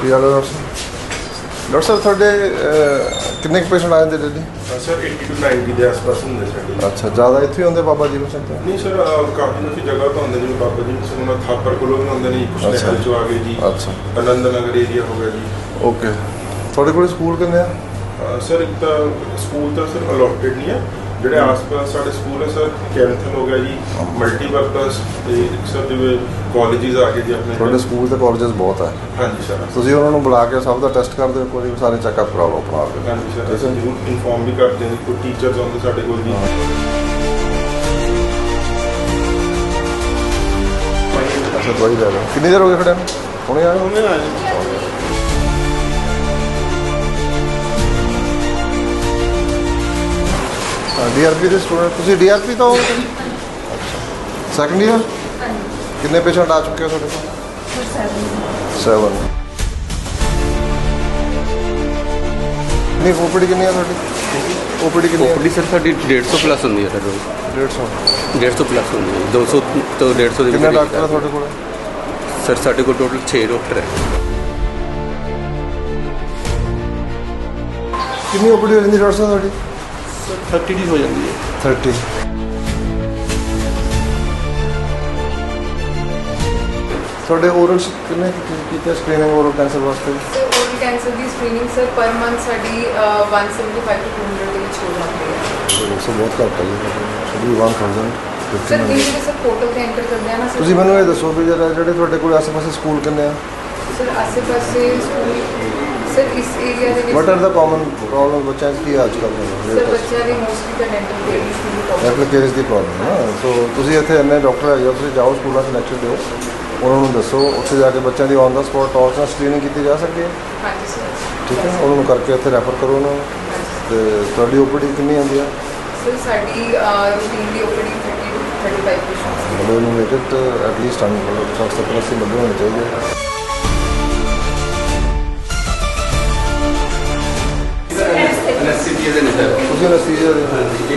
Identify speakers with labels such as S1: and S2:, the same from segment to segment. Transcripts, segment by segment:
S1: ਕੀ ਹਾਲ ਹੈ ਡਾਕਟਰ ਸਾਹਿਬ ਤੁਹਾਡੇ ਕਿੰਨੇ ਕੁ ਪੇਸ਼ੈਂਟ ਆਏ ਨੇ ਡੇਲੀ?
S2: ਸਰ 80 to 90 ਦੇ ਆਸ-ਪਾਸ ਹੁੰਦੇ ਸਾਡੇ।
S1: ਅੱਛਾ, ਜ਼ਿਆਦਾ ਇੱਥੇ ਹੀ ਹੁੰਦੇ ਬਾਬਾ ਜੀਵਨ ਸਿੰਘ ਤੋਂ?
S2: ਨਹੀਂ ਸਰ, ਕਾਫੀ ਲੋਕੀ ਜਗ੍ਹਾ ਤੋਂ ਆਉਂਦੇ ਜਿਵੇਂ ਬਾਬਾ ਜੀ ਸਿੰਘ ਉਹਨਾਂ ਥਾਪਰ ਕੋਲੋਂ ਵੀ ਆਉਂਦੇ ਨੇ, ਕੁਛ ਨਹਿਲ ਚੋਂ ਆ ਗਏ ਜੀ।
S1: ਅੱਛਾ,
S2: ਆਨੰਦ ਨਗਰ ਏਰੀਆ ਹੋ ਗਿਆ ਜੀ।
S1: ਓਕੇ। ਤੁਹਾਡੇ ਕੋਲ ਸਕੂਲ ਕਿੰਨੇ ਆ?
S2: ਸਰ ਇੱਕ ਤਾਂ ਸਕੂਲ ਤਾਂ ਸਰ ਅਲੋਟਡ ਨਹੀਂ ਆ, ਜਿਹੜੇ ਆਸ-ਪਾਸ ਸਾਡੇ ਸਕੂਲ ਹੈ ਸਰ ਕੈਂਥਲ ਹੋ ਗਿਆ ਜੀ, ਮਲਟੀਪਰਪਸ ਤੇ ਸਰ ਜਿਵੇਂ ਕਾਲਜਿਸ ਆ ਗਏ ਜੀ ਆਪਣੇ।
S1: ਤੁਹਾਡੇ ਸਕੂਲ ਤੇ ਕਾਲਜਸ ਬਹੁਤ ਹੈ?
S2: ਹਾਂਜੀ ਸਰ।
S1: ਤੁਸੀਂ ਉਹਨਾਂ ਨੂੰ ਬੁਲਾ ਕੇ ਸਭ ਦਾ ਟੈਸਟ ਕਰਦੇ ਹੋ, ਕੋਈ ਸਾਰੇ ਚੈੱਕਅਪ ਕਰਾ ਲਓ ਆਪਣਾ ਆਪ?
S2: ਹਾਂਜੀ ਸਰ, ਅਸੀਂ ਜ਼ਰੂਰ ਇਨਫੋਰਮ ਵੀ ਕਰਦੇ ਹਾਂ। ਕੋਈ ਟੀਚਰਸ ਆਉਂਦੇ ਸਾਡੇ ਕੋਲ ਜੀ।
S1: ਅੱਛਾ, ਦਵਾਈ ਲੈ ਲਓ। ਕਿੰਨੀ ਦੇਰ ਹੋ ਗਈ ਖੜਿਆ ਨੂੰ? ਹੁਣੇ ਆਏ?
S2: ਹੁਣੇ ਆਏ।
S1: DRP ਦੇ ਸਟੂਡੈਂਟ ਤੁਸੀਂ? DRP ਤੋਂ ਹੋ? ਅੱਛਾ, ਸੈਕੰਡ ਈਅਰ? ਕਿੰਨੇ ਪੇਸ਼ੈਂਟ ਆ ਚੁੱਕੇ ਹੋ ਤੁਹਾਡੇ ਕੋਲ? 7। ਨਹੀਂ, ਓਪੀਡੀ ਕਿੰਨੀ ਹੈ ਤੁਹਾਡੀ? ਓਪੀਡੀ ਕਿੰਨੀ ਹੈ?
S3: ਓਪੀਡੀ ਸਰ ਸਾਡੀ 150 ਪਲੱਸ ਹੁੰਦੀ ਹੈ ਸਰ ਰੋਜ਼। 150 ਪਲੱਸ ਹੁੰਦੀ ਹੈ, 200 ਤੋਂ 150 ਦੇ ਵਿੱਚ।
S1: ਕਿੰਨੇ ਡਾਕਟਰ ਹੈ ਤੁਹਾਡੇ ਕੋਲ?
S3: ਸਰ ਸਾਡੇ ਕੋਲ ਟੋਟਲ 6 ਡਾਕਟਰ ਹੈ।
S1: ਕਿੰਨੀ ਓਪੀਡੀ ਹੋ ਜਾਂਦੀ ਡਾਕਟਰ ਸਾਹਿਬ ਤੁਹਾਡੀ?
S3: 30 ਦੀ ਹੋ ਜਾਂਦੀ ਹੈ।
S1: 30। ਤੁਹਾਡੇ ਓਰਲ ਕਿੰਨੇ ਕੀਤੇ ਸਕਰੀਨਿੰਗ ਓਰਲ ਕੈਂਸਰ ਵਾਸਤੇ?
S4: ਸਰ ਓਰਲ ਕੈਂਸਰ ਦੀ ਸਕਰੀਨਿੰਗ ਸਰ ਪਰ ਮੰਥ ਸਾਡੀ 175 to 200 ਦੇ ਵਿੱਚ ਹੋ ਜਾਂਦੀ ਹੈ।
S1: ਸੋ ਬਹੁਤ ਘੱਟ ਹੈ ਜੀ, ਸ਼ੁਰੂ 1000।
S4: ਸਰ ਇਹ ਸਰ ਪੋਰਟਲ ਤੇ ਐਂਟਰ ਕਰਦੇ ਆ ਨਾ ਸਰ।
S1: ਤੁਸੀਂ ਮੈਨੂੰ ਇਹ ਦੱਸੋ ਵੀ ਜਿਹੜੇ ਤੁਹਾਡੇ ਕੋਲ ਆਸ-ਪਾਸੇ ਸਕੂਲ ਕਿੰਨੇ ਆ?
S4: ਸਰ ਆਸੇ-ਪਾਸੇ ਸਕੂਲ ਸਰ ਇਸ ਏਰੀਆ ਦੇ ਵਿੱਚ
S1: what are the common problem ਬੱਚਿਆਂ 'ਚ ਕੀ ਅੱਜ ਕੱਲ੍ਹ?
S4: ਸਰ ਬੱਚਿਆਂ ਦੀ ਮੋਸਟਲੀ ਤਾਂ ਡੈਂਟਲ ਕੇਅਰਸ ਦੀ ਪ੍ਰੋਬਲਮ।
S1: ਡੈਂਟਲ ਕੇਅਰਸ ਦੀ ਪ੍ਰੋਬਲਮ ਹੈ ਨਾ। ਸੋ ਤੁਸੀਂ ਇੱਥੇ ਇੰਨੇ ਡਾਕਟਰ ਹੈਗੇ ਹੋ, ਤੁਸੀਂ ਜਾਓ ਸਕੂਲਾਂ 'ਚ ਲੈਕਚਰ ਦਿਓ, ਉਹਨਾਂ ਨੂੰ ਦੱਸੋ, ਉੱਥੇ ਜਾ ਕੇ ਬੱਚਿਆਂ ਦੀ ਔਨ ਦਾ ਸਪੋਟ ਟਾਸ ਨਾਲ ਸਕਰੀਨਿੰਗ ਕੀਤੀ ਜਾ ਸਕਦੀ ਹੈ।
S4: ਹਾਂਜੀ ਸਰ।
S1: ਠੀਕ ਹੈ, ਉਹਨਾਂ ਨੂੰ ਕਰਕੇ ਇੱਥੇ ਰੈਫਰ ਕਰੋ ਉਹਨਾਂ ਨੂੰ। ਤੇ ਤੁਹਾਡੀ ਓਪੀਡੀ ਕਿੰਨੀ ਆਉਂਦੀ ਆ?
S4: ਸਰ ਸਾਡੀ ਰੂਟੀਨ ਦੀ ਓਪੀਡੀ 30 to 35 ਪੇਸ਼ੈਂਟਸ।
S1: ਮਤਲਬ ਇਹਨੂੰ ਮੇਕਟ ਐਟਲੀਸਟ 70-80 ਹੋਣੇ ਚਾਹੀਦੇ। ਤੁਸੀਂ ਅਨੈਸਥੀਸੀਆ ਦੇ?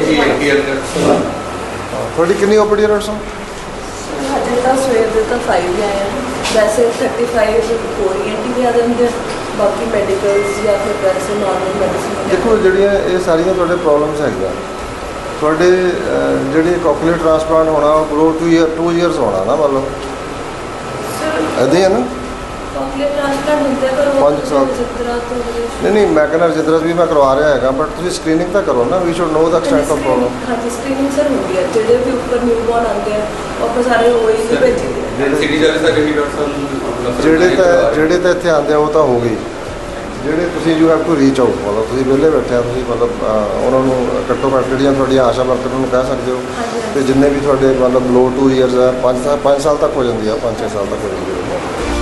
S1: ਤੁਹਾਡੀ ਕਿੰਨੀ ਓਪੀਡੀ ਹੈ ਡਾਕਟਰ ਸਾਹਿਬ?
S5: ਹਜੇ ਤਾਂ ਸਵੇਰ ਦੇ ਤਾਂ 5 ਆਏ ਆ, ਵੈਸੇ 35 ਓਰੀਐਂਟਿੰਗ ਵੀ ਆ ਜਾਂਦੇ, ਬਾਕੀ ਮੈਡੀਕਲਸ ਜਾਂ ਫਿਰ ਵੈਸੇ ਨਾਰਮਲ ਮੈਡੀਸਿਨ।
S1: ਦੇਖੋ, ਜਿਹੜੀਆਂ ਇਹ ਸਾਰੀਆਂ ਤੁਹਾਡੇ ਪ੍ਰੋਬਲਮਸ ਹੈਗੀਆਂ, ਤੁਹਾਡੇ ਜਿਹੜੀ ਕੋਕਲੀਅਰ ਟ੍ਰਾਂਸਪਲਾਂਟ ਹੋਣਾ ਉਹ ਗਰੋ 2 ਇਅਰਸ ਹੋਣਾ ਨਾ, ਮਤਲਬ ਇੱਦਾਂ ਹੀ ਹੈ ਨਾ?
S5: ਕੋਕਲੀਅਰ ਟ੍ਰਾਂਸਪਲਾਂਟ ਹੁੰਦੇ ਪਰ
S1: 5 ਸਾਲ। ਨਹੀਂ, ਮੈਂ ਕਹਿੰਦਾ ਜਿੱਦਾਂ ਵੀ ਮੈਂ ਕਰਵਾ ਰਿਹਾ ਹੈਗਾ, ਬਟ ਤੁਸੀਂ ਸਕਰੀਨਿੰਗ ਤਾਂ ਕਰੋ ਨਾ। We should know the extent of problem.
S5: ਹਾਂਜੀ, ਸਕਰੀਨਿੰਗ ਸਰ ਹੁੰਦੀ ਹੈ। ਜਿਹੜੇ ਵੀ ਉੱਪਰ ਨਿਊਬੋਰਨ ਆਉਂਦੇ ਆ ਉਹ ਆਪਾਂ ਸਾਰੇ ਹੋਏ ਹੀ ਭੇਜੀਦੇ।
S3: ਸਿਟੀ ਜਾਲੇ ਸਾਡੇ ਵੀ ਡਾਕਟਰ ਸਾਹਿਬ
S1: ਜਿਹੜੇ ਤਾਂ ਇੱਥੇ ਆਉਂਦੇ ਆ ਉਹ ਤਾਂ ਹੋ ਗਈ। ਜਿਹੜੇ ਤੁਸੀਂ you have to reach out, ਮਤਲਬ ਤੁਸੀਂ ਵਿਹਲੇ ਬੈਠੇ ਆ, ਤੁਸੀਂ ਮਤਲਬ ਉਹਨਾਂ ਨੂੰ ਘੱਟੋ ਘੱਟ ਜਿਹੜੀਆਂ ਤੁਹਾਡੀਆਂ ਆਸ਼ਾ ਵਰਕਰ ਨੂੰ ਕਹਿ ਸਕਦੇ ਹੋ। ਤੇ ਜਿੰਨੇ ਵੀ ਤੁਹਾਡੇ ਮਤਲਬ ਲੋ 2 ਇਅਰਸ ਆ, 5 ਸਾਲ ਤੱਕ ਹੋ ਜਾਂਦੀ ਆ, 5-6 ਸਾਲ ਤੱਕ ਹੋ ਜਾਂਦੀ ਹੈ।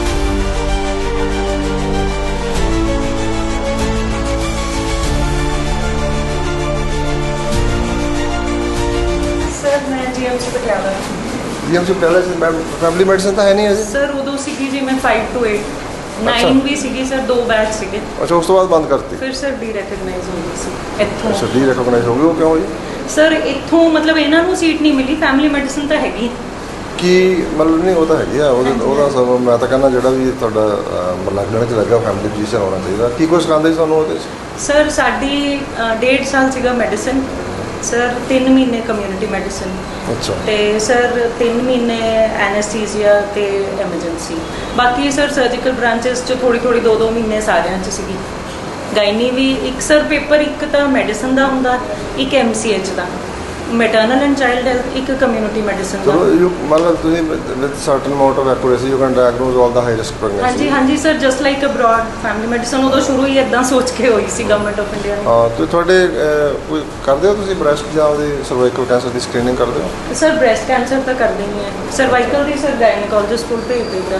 S5: ਸਰ ਮੈਂ GMC Patiala.
S1: GMC Patiala family medicine ਤਾਂ ਹੈ ਨਹੀਂ ਅਜੇ?
S5: ਸਰ ਉਦੋਂ ਸੀਗੀ ਜੀ ਮੈਂ 5 to 8, 9 ਵੀ ਸੀਗੀ ਸਰ, 2 ਬੈਚ ਸੀਗੇ।
S1: ਅੱਛਾ, ਉਸ ਤੋਂ ਬਾਅਦ ਬੰਦ ਕਰਤੀ?
S5: ਫਿਰ ਸਰ ਡੀ ਰੈਕਗਨਾਈਜ਼ ਹੋ ਗਈ ਸੀ ਇੱਥੋਂ।
S1: ਅੱਛਾ, ਡੀ ਰੈਕਗਨਾਈਜ਼ ਹੋ ਗਈ, ਉਹ ਕਿਉਂ ਜੀ?
S5: ਸਰ ਇੱਥੋਂ ਮਤਲਬ ਇਹਨਾਂ ਨੂੰ ਸੀਟ ਨਹੀਂ ਮਿਲੀ, ਫੈਮਿਲੀ ਮੈਡੀਸਨ ਤਾਂ ਹੈਗੀ।
S1: ਕੀ ਮਤਲਬ? ਨਹੀਂ, ਉਹ ਤਾਂ ਹੈਗੀ ਆ, ਉਹਦਾ ਸਭ ਮੈਂ ਤਾਂ ਕਹਿੰਦਾ ਜਿਹੜਾ ਵੀ ਤੁਹਾਡਾ ਲੱਗਣ 'ਚ ਲੱਗਾ ਫੈਮਿਲੀ ਫਿਜ਼ੀਸ਼ੀਅਨ ਹੋਣਾ ਚਾਹੀਦਾ। ਕੀ ਕੁਛ ਸਿਖਾਉਂਦੇ ਸੀ ਤੁਹਾਨੂੰ ਉਹਦੇ 'ਚ?
S5: ਸਰ ਸਾਡੀ 1.5 ਸਾਲ ਸੀਗਾ ਮੈਡੀਸਨ ਸਰ, 3 ਮਹੀਨੇ ਕਮਿਊਨਿਟੀ ਮੈਡੀਸਨ।
S1: ਅੱਛਾ।
S5: ਤੇ ਸਰ 3 ਮਹੀਨੇ ਐਨੈਸਥੀਸੀਆ ਤੇ ਐਮਰਜੈਂਸੀ। ਬਾਕੀ ਸਰ ਸਰਜੀਕਲ ਬ੍ਰਾਂਚਸ 'ਚ ਥੋੜੀ 2-2 ਮਹੀਨੇ ਸਾਰਿਆਂ 'ਚ ਸੀਗੀ। ਗਾਇਨੀ ਵੀ ਇੱਕ ਸਰ ਪੇਪਰ, ਇੱਕ ਤਾਂ ਮੈਡੀਸਨ ਦਾ ਹੁੰਦਾ, ਇੱਕ MCH ਦਾ, ਮੈਟਰਨਲ ਐਂਡ ਚਾਈਲਡ ਹੈਲਥ, ਇੱਕ ਕਮਿਊਨਿਟੀ ਮੈਡੀਸਨ ਦਾ।
S1: ਚਲੋ, ਮਤਲਬ ਤੁਸੀਂ with certain amount of accuracy you can diagnose all the high risk pregnancy.
S5: ਹਾਂਜੀ sir, just like abroad family medicine ਉਦੋਂ ਸ਼ੁਰੂ ਹੀ ਇਦਾਂ ਸੋਚ ਕੇ ਹੋਈ ਸੀ ਗਵਰਨਮੈਂਟ ਆਫ ਇੰਡੀਆ ਨੇ।
S1: ਹਾਂ, ਤੇ ਤੁਹਾਡੇ ਕੋਈ ਕਰਦੇ ਹੋ ਤੁਸੀਂ ਬ੍ਰੈਸਟ ਜਾਂ ਉਹਦੀ ਸਰਵਾਈਕਲ ਕੈਂਸਰ ਦੀ ਸਕਰੀਨਿੰਗ ਕਰਦੇ ਹੋ?
S5: ਸਰ ਬ੍ਰੈਸਟ ਕੈਂਸਰ ਤਾਂ ਕਰਦੇ ਹੀ ਹੈ, ਸਰਵਾਈਕਲ ਦੀ ਸਰ ਗਾਇਨੋਕੋਲੋਜਿਸਟ ਕੋਲ ਭੇਜ ਦਿੱਤਾ।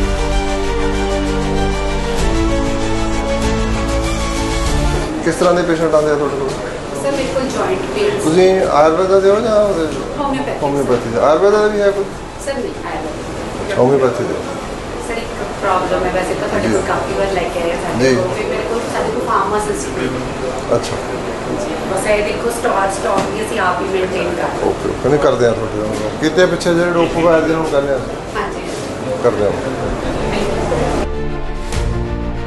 S1: ਕਿਸ ਤਰ੍ਹਾਂ ਦੇ ਪੇਸ਼ੈਂਟ ਆਉਂਦੇ ਆ ਤੁਹਾਡੇ ਕੋਲ?
S4: ਸਰ ਮੇਰੇ ਕੋਲ ਜੁਆਇੰਟ ਪੇਨ।
S1: ਤੁਸੀਂ ਆਯੁਰਵੇਦਾ ਦੇ ਹੋ ਜਾਂ ਹੋਮਿਓਪੈਥੀ ਦੇ? ਆਯੁਰਵੇਦਾ ਦਾ ਵੀ ਹੈ ਕੋਈ?
S4: ਸਰ ਨਹੀਂ ਆਇਆ।
S1: ਹੋਮਿਓਪੈਥੀ ਦੇ?
S4: ਸਰ ਇੱਕ ਪ੍ਰੋਬਲਮ ਹੈ, ਵੈਸੇ ਤਾਂ ਸਾਡੇ ਕੋਲ ਕਾਫੀ ਵਾਰ ਲੈ ਕੇ ਆਏ ਸਾਡੇ ਕੋਲ, ਫਿਰ ਮੇਰੇ ਕੋਲ ਸਾਡੇ ਕੋਲ ਫਾਰਮਾਸਿਸਟ।
S1: ਅੱਛਾ,
S4: ਬਸ ਇਹ ਦੇਖੋ ਸਟਾਕ ਵੀ ਅਸੀਂ ਆਪ ਹੀ ਮੇਨਟੇਨ ਕਰਦੇ ਹਾਂ।
S1: ਓਕੇ, ਕਹਿੰਦੇ ਕਰਦੇ ਆ ਤੁਹਾਡੇ ਕਿਤੇ ਪਿੱਛੇ ਜਿਹੜੇ ਡੋਪੋ ਆਏ ਦੇ ਹੁਣ ਕਹਿੰਦੇ ਆ
S4: ਹਾਂਜੀ
S1: ਕਰਦੇ ਆ।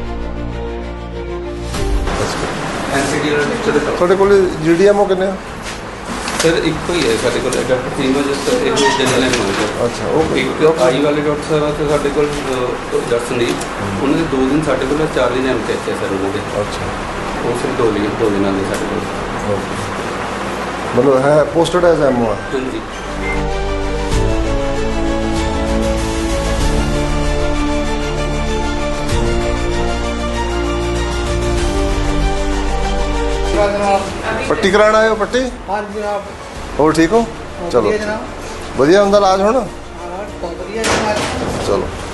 S3: ਐਨਸੀਡੀ ਵਾਲਾ ਟੀਚਰ ਦੇ
S1: ਤੁਹਾਡੇ ਕੋਲ GDMO ਕਿੰਨੇ ਆ?
S3: ਸਰ ਇੱਕੋ ਹੀ ਹੈ ਸਾਡੇ ਕੋਲ ਡਾਕਟਰ ਸੀਮਾ ਜਸਟ ਇਹ ਜਨਰਲ ਐਮਰਜੈਂਸੀ।
S1: ਅੱਛਾ ਉਹ
S3: ਇੱਕ ਆਈ ਵਾਲੇ ਡਾਕਟਰ ਸਾਹਿਬ ਆ ਤੇ ਸਾਡੇ ਕੋਲ ਡਾਕਟਰ ਸੰਦੀਪ, ਉਹਨਾਂ ਦੇ 2 ਦਿਨ ਸਾਡੇ ਕੋਲ, 4 ਦਿਨ MTH ਹੈ ਸਰ ਉਹਨਾਂ ਦੇ।
S1: ਅੱਛਾ
S3: ਉਹ ਸਿਰਫ 2 ਦਿਨਾਂ ਦੇ ਸਾਡੇ ਕੋਲ।
S1: ਓਕੇ, ਮਤਲਬ ਹੈ ਪੋਸਟਡ ਐਜ਼ MO ਆ।
S3: ਹਾਂਜੀ
S1: ਪੱਟੀ ਕਰਾਉਣ ਆਏ ਹੋ? ਪੱਟੀ
S6: हाँ जनाब।
S1: ਹੋਰ ਠੀਕ ਹੋ? ਚਲੋ
S6: जनाब।
S1: ਵਧੀਆ ਹੁੰਦਾ ਇਲਾਜ ਹੁਣ?
S6: हाँ बहुत बढ़िया जनाब।
S1: ਚਲੋ